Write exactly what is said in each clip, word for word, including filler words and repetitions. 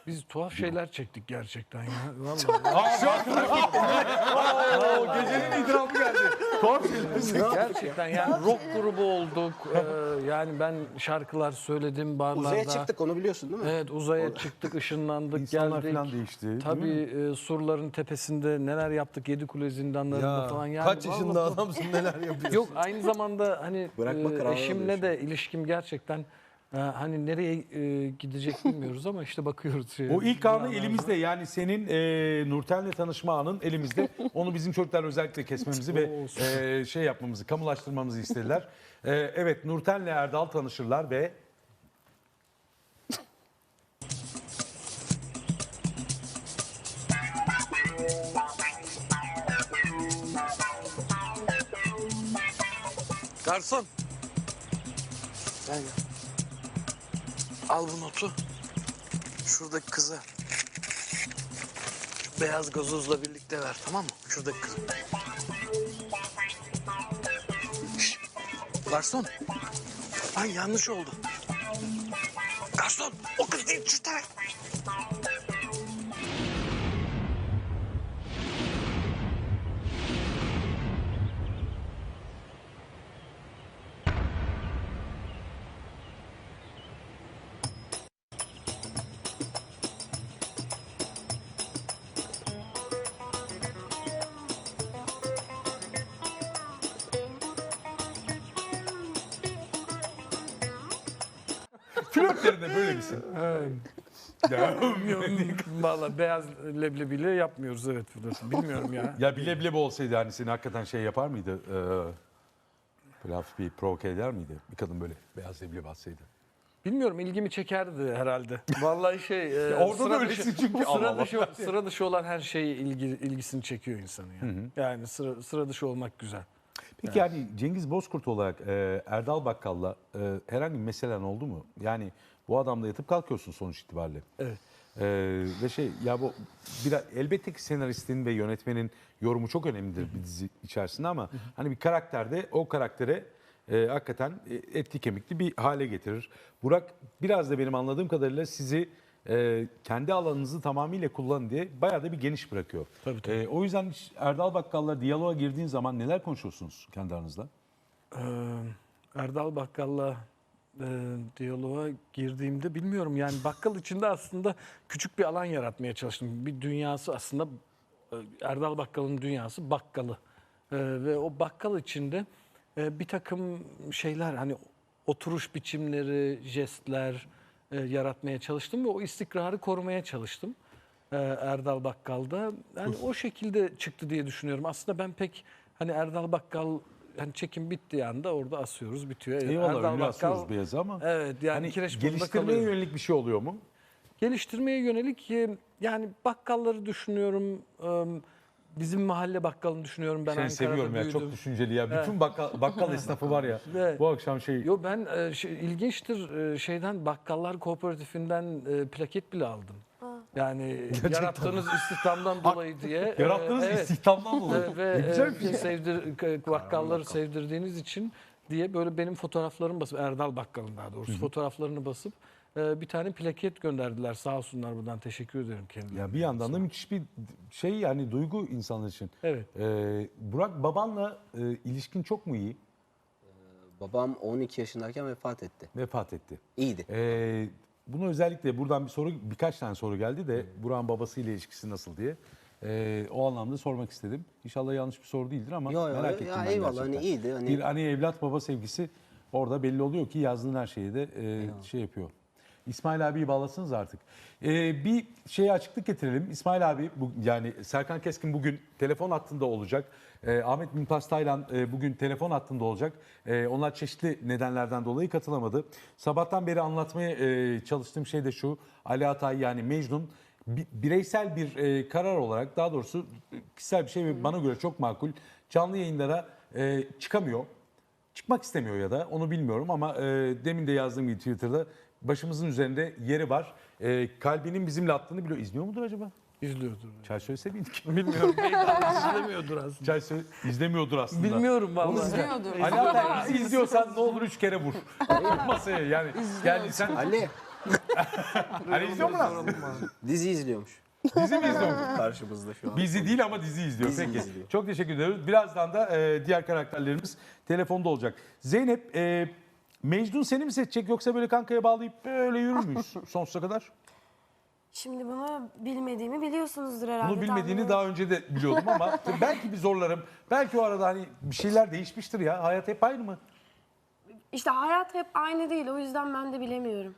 Biz tuhaf şeyler çektik gerçekten ya. Vallahi. Oo, gecenin itirafı geldi. Tuhaf şeyler. Gerçekten yani rock grubu olduk. Ee, yani ben şarkılar söyledim barlarda. Uzaya çıktık, onu biliyorsun değil mi? Evet, uzaya çıktık, ışınlandık, İnsanlar geldik. falan değişti, değil Tabii mi? e, surların tepesinde neler yaptık, Yedikule zindanlarında Ya, falan. Yani kaç yaşında vallahi- adamsın, neler yapıyorsun? Yok, aynı zamanda hani Bırakma e, kararı eşimle alıyor de ilişkim gerçekten e, hani nereye e, gidecek bilmiyoruz ama işte bakıyoruz. Şey, O ilk anı binalarda. elimizde, yani senin e, Nurten'le tanışma anın elimizde. Onu bizim çocuklar özellikle kesmemizi ve e, şey yapmamızı, kamulaştırmamızı istediler. E, evet, Nurten'le Erdal tanışırlar ve Garson. Gel gel. Al bu notu. Şuradaki kıza. Şu beyaz gazozla birlikte ver, tamam mı? Şuradaki kıza. Şşş. Garson. Lan yanlış oldu. Garson. O kız değil, şu taraf. flörtlerinde böyle misin? Ya, Vallahi beyaz leblebiyle yapmıyoruz, evet. Bilmiyorum ya. ya bile bile bu olsaydı hani seni hakikaten şey yapar mıydı? E, böyle hafif bir provoke eder miydi? Bir kadın böyle beyaz leblebi atsaydı. Bilmiyorum, ilgimi çekerdi herhalde. Vallahi şey, e, orada da sıra öylesin dışı, çünkü. Allah sıra Allah. dışı, sıra dışı olan her şey ilgi, ilgisini çekiyor insanı ya. Yani sıra, sıra dışı olmak güzel. Peki yani Cengiz Bozkurt olarak e, Erdal Bakkal'la e, herhangi bir meselen oldu mu? Yani bu adamla yatıp kalkıyorsun sonuç itibariyle. Evet. E, ve şey ya bu biraz elbette ki senaristin ve yönetmenin yorumu çok önemlidir bir dizi içerisinde ama hani bir karakterde o karaktere e, hakikaten e, etli kemikli bir hale getirir. Burak biraz da benim anladığım kadarıyla sizi e, kendi alanınızı tamamıyla kullanın diye bayağı da bir geniş bırakıyor. Tabii, tabii. E, o yüzden hiç Erdal Bakkal'la diyaloğa girdiğin zaman neler konuşuyorsunuz kendi aranızda? Ee, Erdal Bakkal'la e, diyaloğa girdiğimde bilmiyorum yani bakkal içinde aslında küçük bir alan yaratmaya çalıştım. Bir dünyası aslında e, Erdal Bakkal'ın dünyası bakkalı. E, ve o bakkal içinde e, bir takım şeyler hani oturuş biçimleri, jestler e, yaratmaya çalıştım ve o istikrarı korumaya çalıştım. e, Erdal Bakkal'da. Yani o şekilde çıktı diye düşünüyorum. Aslında ben pek hani Erdal Bakkal hani çekim bittiği anda orada asıyoruz, bitiyor. Eyvallah, Erdal ünlü asıyoruz beyazı ama evet yani hani kireç burnunda geliştirmeye kalıyor. yönelik bir şey oluyor mu? Geliştirmeye yönelik e, yani bakkalları düşünüyorum. e, Bizim mahalle bakkalını düşünüyorum. Ben Seni Ankara'da seviyorum ya, büyüdüm. çok düşünceli ya. Bütün bakkal, bakkal esnafı var ya. Evet. Bu akşam şey Yo ben e, şey, ilginçtir e, şeyden Bakkallar Kooperatifinden e, plaket bile aldım. Yani yarattığınız istihdamdan dolayı diye. e, yarattığınız evet. istihdamdan dolayı. E, ve Ne güzel e, bir şey. sevdir, e, bakkalları sevdirdiğiniz için diye böyle benim fotoğraflarımı basıp Erdal Bakkal'ın daha doğrusu fotoğraflarını basıp e, bir tane plaket gönderdiler. Sağ olsunlar, buradan teşekkür ederim kendilerine. Ya bir yandan da müthiş bir şey yani duygu insanlar için. Evet. Ee, Burak babanla e, ilişkin çok mu iyi? Babam on iki yaşındayken vefat etti. Vefat etti. İyiydi. Ee, bunu özellikle buradan bir soru, birkaç tane soru geldi de Burak'ın babasıyla ilişkisi nasıl diye. Ee, o anlamda sormak istedim. İnşallah yanlış bir soru değildir ama Yo, yo, merak ya ettim ben eyvallah, gerçekten. hani iyiydi, hani- Bir hani evlat baba sevgisi orada belli oluyor ki yazdığın her şeyi de e, şey yapıyor. İsmail abiyi bağlasınız artık. Ee, bir şeye açıklık getirelim. İsmail abi bu, yani Serkan Keskin bugün telefon hattında olacak. Ee, Ahmet Mümtaz Taylan e, bugün telefon hattında olacak. Ee, onlar çeşitli nedenlerden dolayı katılamadı. Sabahtan beri anlatmaya e, çalıştığım şey de şu. Ali Atay yani Mecnun bi- bireysel bir e, karar olarak, daha doğrusu e, kişisel bir şey ve bana göre çok makul. Canlı yayınlara e, çıkamıyor. Çıkmak istemiyor ya da onu bilmiyorum ama e, demin de yazdığım gibi Twitter'da başımızın üzerinde yeri var. E, kalbinin bizimle attığını biliyor. İzliyor mudur acaba? İzliyordur. Çay söylese miydik? Bilmiyorum. Belki izlemiyordur aslında. Çay söyle, izlemiyordur aslında. Bilmiyorum vallahi. İzliyordur. Ali Atay bizi izliyorsan ne olur üç kere vur. Masaya yani. Geldi sen Ali, Hani izliyor mu lan? Dizi izliyormuş. Dizi mi izliyor? Karşımızda şu an. Bizi değil ama dizi izliyor. Dizi Peki. izliyor. Çok teşekkür ediyoruz. Birazdan da e, diğer karakterlerimiz telefonda olacak. Zeynep, e, Mecnun seni mi seçecek yoksa böyle kankaya bağlayıp böyle yürür müyüz sonsuza kadar? Şimdi bunu bilmediğimi biliyorsunuzdur herhalde. Bunu bilmediğini tahmin daha önce de biliyordum ama belki bir zorlarım. Belki o arada hani bir şeyler değişmiştir ya. Hayat hep aynı mı? İşte hayat hep aynı değil. O yüzden ben de bilemiyorum.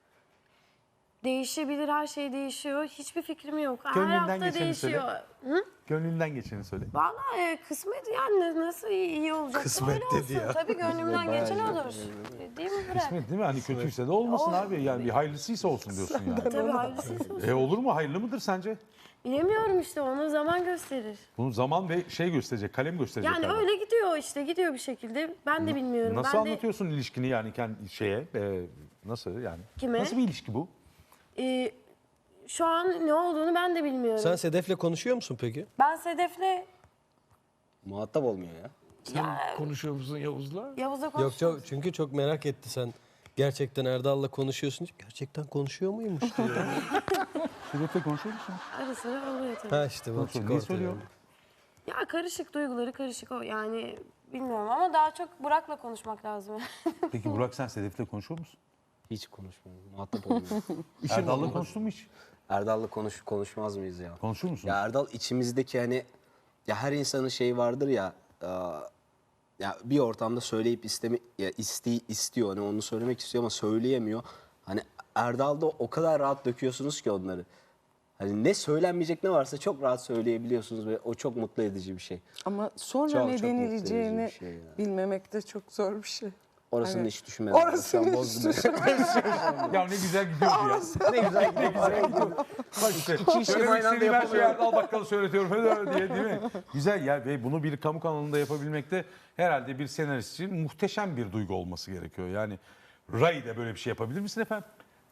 Değişebilir, her şey değişiyor. Hiçbir fikrim yok. Her Gönlünden hafta geçeni değişiyor. söyle. Hı? Gönlünden geçeni söyle. Vallahi e, kısmet yani nasıl iyi, iyi olacak. Kısmet öyle dedi olsun. ya. Tabii gönlümden bayağı geçen iyi. olur. Değil mi Burak? Kısmet değil mi? Hani kötüyse de olmasın O- abi. Yani bir hayırlısıysa olsun diyorsun yani. Tabii hayırlısı olsun. E olur mu? Hayırlı mıdır sence? Bilemiyorum işte, onu zaman gösterir. Bunu zaman ve şey gösterecek, kalem gösterecek. Yani galiba. öyle gidiyor işte, gidiyor bir şekilde. Ben de bilmiyorum. Nasıl ben de, anlatıyorsun ilişkini yani kendi şeye? e, nasıl yani? Kime? Nasıl bir ilişki bu? e, şu an ne olduğunu ben de bilmiyorum. Sen Sedef'le konuşuyor musun peki? Ben Sedef'le Muhatap olmuyor ya. Sen konuşuyor musun Yavuz'la? Yavuz'la Yok konuştum. çok, çünkü çok merak etti sen. Gerçekten Erdal'la konuşuyorsun. Gerçekten konuşuyor muymuş diyor. Sedef'le konuşuyor musun? Ara sıra oluyor tabii. ha işte bak Konuşuyor. çık Niye ortaya. söylüyor? Ya karışık, duyguları karışık o yani, bilmiyorum ama daha çok Burak'la konuşmak lazım. Peki Burak sen Sedef'le konuşuyor musun? Hiç konuşmuyor. Muhatap olmuyor. Erdal'la konuştun mu hiç? Erdal'la konuş konuşmaz mıyız ya? Konuşur musun? Ya Erdal içimizdeki hani ya her insanın şeyi vardır ya, e, ya bir ortamda söyleyip istemi ya iste, istiyor hani onu söylemek istiyor ama söyleyemiyor. Hani Erdal'da o kadar rahat döküyorsunuz ki onları. Hani ne söylenmeyecek ne varsa çok rahat söyleyebiliyorsunuz ve o çok mutlu edici bir şey. Ama sonra Çok, ne çok mutlu denileceğini edici bir şey ya. bilmemek de çok zor bir şey. Orasını Evet. hiç düşünmedim. Şu an Orasını bozdum. Ya ne güzel gidiyordu ya. Ne güzel ne güzel gidiyor. Bak işte. İki işi Söylemek aynı anda istediğim her şeyi yapamıyorum. Erdal Bakkal'a söyletiyorum öyle diye değil mi? Güzel ya ve bunu bir kamu kanalında yapabilmek de herhalde bir senarist için muhteşem bir duygu olması gerekiyor. Yani Ray de böyle bir şey yapabilir misin efendim?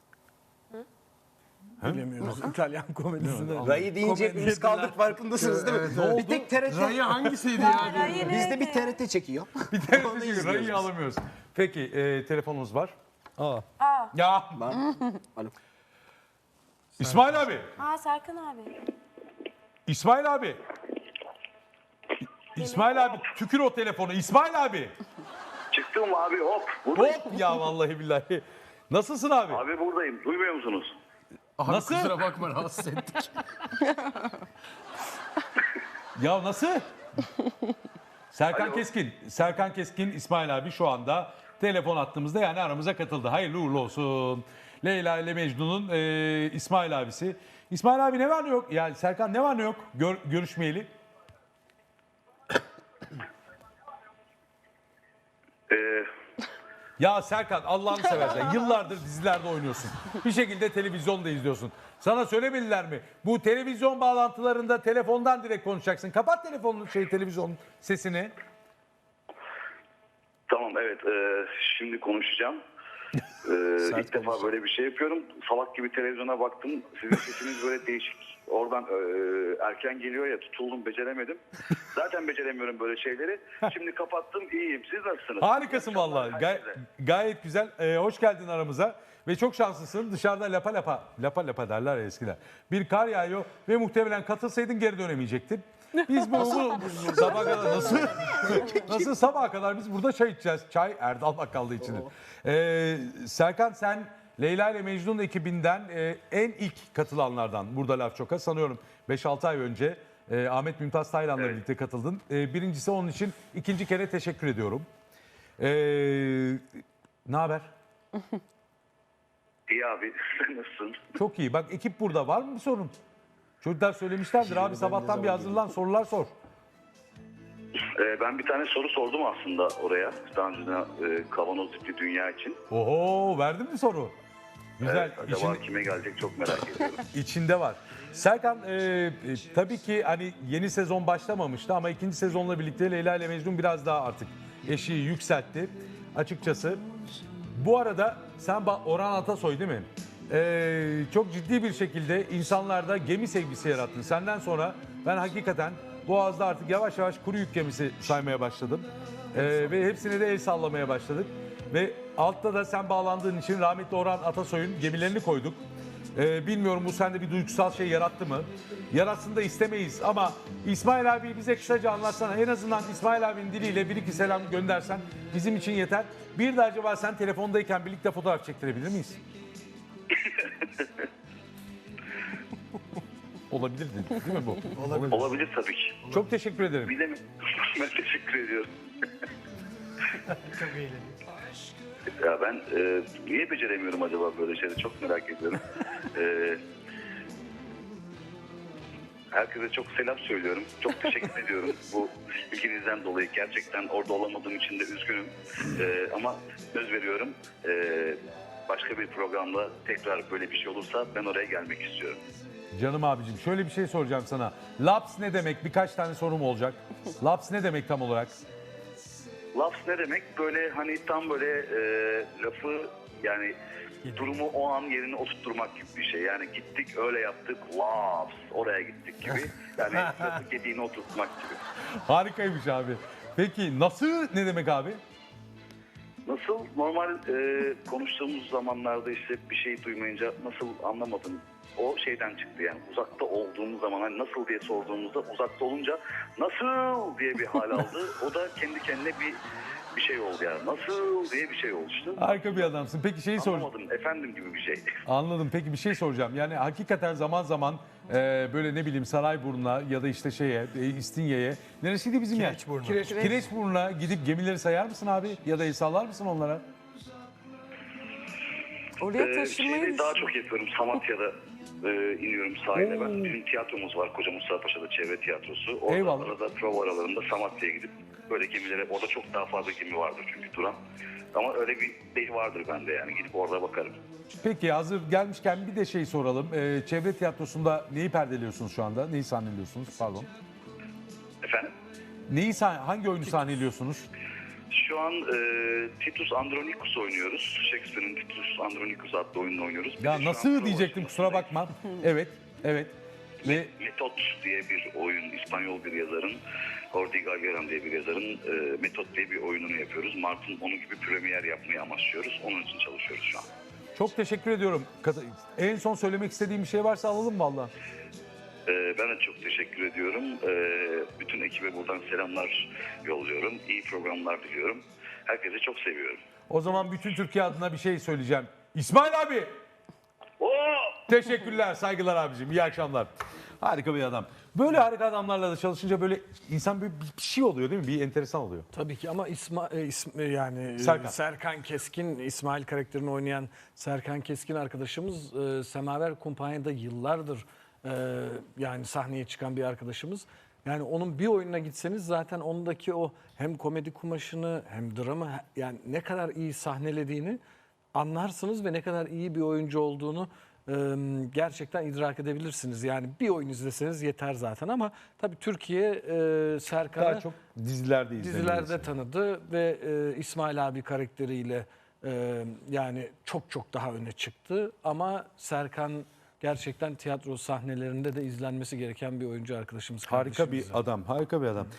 Bilemiyoruz. İtalyan komedisinde. Rayı deyince hepimiz kaldık, farkındasınız değil mi? Bir tek T R T. Rayı hangisiydi ya? Bizde bir T R T çekiyor. Bir tane Onu de çünkü izliyoruz Ray'ı alamıyoruz. Peki e, telefonumuz var. Aa, Ya Alo. İsmail abi. Ha Serkan abi. İsmail abi. İ- İsmail abi tükür o telefonu. İsmail abi. Çıktım abi hop. Buradayım. Hop ya vallahi billahi. Nasılsın abi? Abi buradayım. Duymuyor musunuz? Nasıl? Kusura bakma rahatsız ettik. Ya nasıl? Serkan Alo. Keskin. Serkan Keskin İsmail abi şu anda telefon attığımızda yani aramıza katıldı. Hayırlı uğurlu olsun. Leyla ile Mecnun'un e, İsmail abisi. İsmail abi ne var ne yok? Yani Serkan ne var ne yok? Gör, görüşmeyeli. Ee, Ya Serkan Allah'ını seversen yıllardır dizilerde oynuyorsun. Bir şekilde televizyonda izliyorsun. Sana söylemediler mi? Bu televizyon bağlantılarında telefondan direkt konuşacaksın. Kapat telefonun şey televizyonun sesini. tamam evet. ee, şimdi konuşacağım. Ee, ilk defa böyle bir şey yapıyorum. Salak gibi televizyona baktım. Sizin sesiniz böyle değişik. Oradan ee, erken geliyor ya, tutuldum, beceremedim. Zaten beceremiyorum böyle şeyleri. Şimdi kapattım, iyiyim. Siz nasılsınız? Harikasın vallahi. Gay- Herkese. gayet güzel. Ee, hoş geldin aramıza. Ve çok şanslısın. Dışarıda lapa lapa, lapa lapa derler ya eskiden. Bir kar yağıyor ve muhtemelen katılsaydın geri dönemeyecektin. Biz bu, bu sabah kadar nasıl nasıl sabaha kadar biz burada çay içeceğiz. Çay Erdal Bakkal'da içilir. Ee, Serkan sen Leyla ile Mecnun ekibinden e, en ilk katılanlardan burada Laf Çok'a sanıyorum beş altı ay önce e, Ahmet Mümtaz Taylan'la Evet. birlikte katıldın. E, birincisi onun için ikinci kere teşekkür ediyorum. E, ne haber? İyi abi. Sen nasılsın? Çok iyi. Bak ekip burada. Var mı bir sorun? Çocuklar söylemişlerdir abi sabahtan bir hazırlan sorular sor. Ee, ben bir tane soru sordum aslında oraya. Daha önceden ee, kavanoz ipli dünya için. Oho verdin mi soru? Güzel. Evet, acaba İçin- kime gelecek çok merak ediyorum. içinde var. Serkan e, e, tabii ki hani yeni sezon başlamamıştı ama ikinci sezonla birlikte Leyla ile Mecnun biraz daha artık eşiği yükseltti. Açıkçası bu arada sen ba- Orhan Atasoy değil mi? E, çok ciddi bir şekilde insanlarda gemi sevgisi yarattın. Senden sonra ben hakikaten Boğaz'da artık yavaş yavaş kuru yük gemisi saymaya başladım. E, ve hepsine de el sallamaya başladık. Ve altta da sen bağlandığın için rahmetli Orhan Atasoy'un gemilerini koyduk. Ee, bilmiyorum bu sende bir duygusal şey yarattı mı? Yaratsın da istemeyiz ama İsmail abi bize kısaca anlatsana. En azından İsmail abinin diliyle bir iki selam göndersen bizim için yeter. Bir de acaba sen telefondayken birlikte fotoğraf çektirebilir miyiz? Olabilir dedi, değil mi bu? Olabilir. Olabilir tabii ki. Çok teşekkür ederim. Bir de mi? Ben teşekkür ediyorum. Ya ben e, niye beceremiyorum acaba böyle şeyleri çok merak ediyorum. e, herkese çok selam söylüyorum. Çok teşekkür ediyorum bu ilginizden dolayı. Gerçekten orada olamadığım için de üzgünüm. E, ama söz veriyorum. E, başka bir programda tekrar böyle bir şey olursa ben oraya gelmek istiyorum. Canım abicim şöyle bir şey soracağım sana. Laps ne demek? Birkaç tane sorum olacak. Laps ne demek tam olarak? Laps ne demek? Böyle hani tam böyle e, lafı yani durumu o an yerine oturtturmak gibi bir şey. Yani gittik öyle yaptık laps oraya gittik gibi. Yani lafı gediğine oturtmak gibi. Harikaymış abi. Peki nasıl ne demek abi? Nasıl normal e, konuştuğumuz zamanlarda işte bir şey duymayınca nasıl anlamadım. O şeyden çıktı yani uzakta olduğumuz zaman hani nasıl diye sorduğumuzda uzakta olunca nasıl diye bir hal aldı. O da kendi kendine bir bir şey oldu yani. Nasıl diye bir şey oluştu. Harika bir adamsın. Peki şeyi sor. Anlamadım efendim gibi bir şey. Anladım. Peki bir şey soracağım. Yani hakikaten zaman zaman e, böyle ne bileyim Sarayburnu'na ya da işte şeye e, İstinye'ye neresiydi bizim yer? Kireçburnu. Kireç, Kireçburnu'na gidip gemileri sayar mısın abi? Ya da el sallar mısın onlara? Oraya Ee, taşınmayı şeyi daha düşün- çok yapıyorum. Samatya'da e, iniyorum sahile ben. Bizim tiyatromuz var Koca Mustafa Paşa'da çevre tiyatrosu. Orada Eyvallah. arada prova aralarında Samatya'ya gidip böyle gemilere orada çok daha fazla gemi vardır çünkü duran. Ama öyle bir şey vardır bende yani gidip orada bakarım. Peki hazır gelmişken bir de şey soralım. E, çevre tiyatrosunda neyi perdeliyorsunuz şu anda? Neyi sahneliyorsunuz? Pardon. Efendim? Neyi sah- hangi oyunu sahneliyorsunuz? Şu an e, Titus Andronicus oynuyoruz. Shakespeare'in Titus Andronicus adlı oyununu oynuyoruz. Bir de Ya şu an nasıl prova diyecektim kusura bakma. Evet, evet. Ve Metot diye bir oyun, İspanyol bir yazarın, Jordi Galgeran diye bir yazarın e, Metot diye bir oyununu yapıyoruz. Mart'ın onun gibi premier yapmayı amaçlıyoruz. Onun için çalışıyoruz şu an. çok teşekkür ediyorum. Kat- En son söylemek istediğim bir şey varsa alalım valla. E, ben de çok teşekkür ediyorum. E, bütün ekibe buradan selamlar yolluyorum. İyi programlar diliyorum. Herkese çok seviyorum. O zaman bütün Türkiye adına bir şey söyleyeceğim. İsmail abi! Oo! Teşekkürler, saygılar abicim. İyi akşamlar. Harika bir adam. Böyle harika adamlarla da çalışınca böyle insan bir, bir şey oluyor değil mi? Bir enteresan oluyor. Tabii ki ama İsma, e, ism- e, yani e, Serkan. Serkan. Keskin, İsmail karakterini oynayan Serkan Keskin arkadaşımız e, Semaver Kumpanya'da yıllardır e, yani sahneye çıkan bir arkadaşımız. Yani onun bir oyununa gitseniz zaten ondaki o hem komedi kumaşını hem dramı he- yani ne kadar iyi sahnelediğini anlarsınız ve ne kadar iyi bir oyuncu olduğunu e, gerçekten idrak edebilirsiniz. Yani bir oyun izleseniz yeter zaten ama tabii Türkiye e, Serkan'ı Daha çok dizilerde izleniyor. dizilerde tanıdı ve e, İsmail abi karakteriyle e, yani çok çok daha öne çıktı. Ama Serkan gerçekten tiyatro sahnelerinde de izlenmesi gereken bir oyuncu arkadaşımız. Harika bir kardeşimiz. adam, harika bir adam.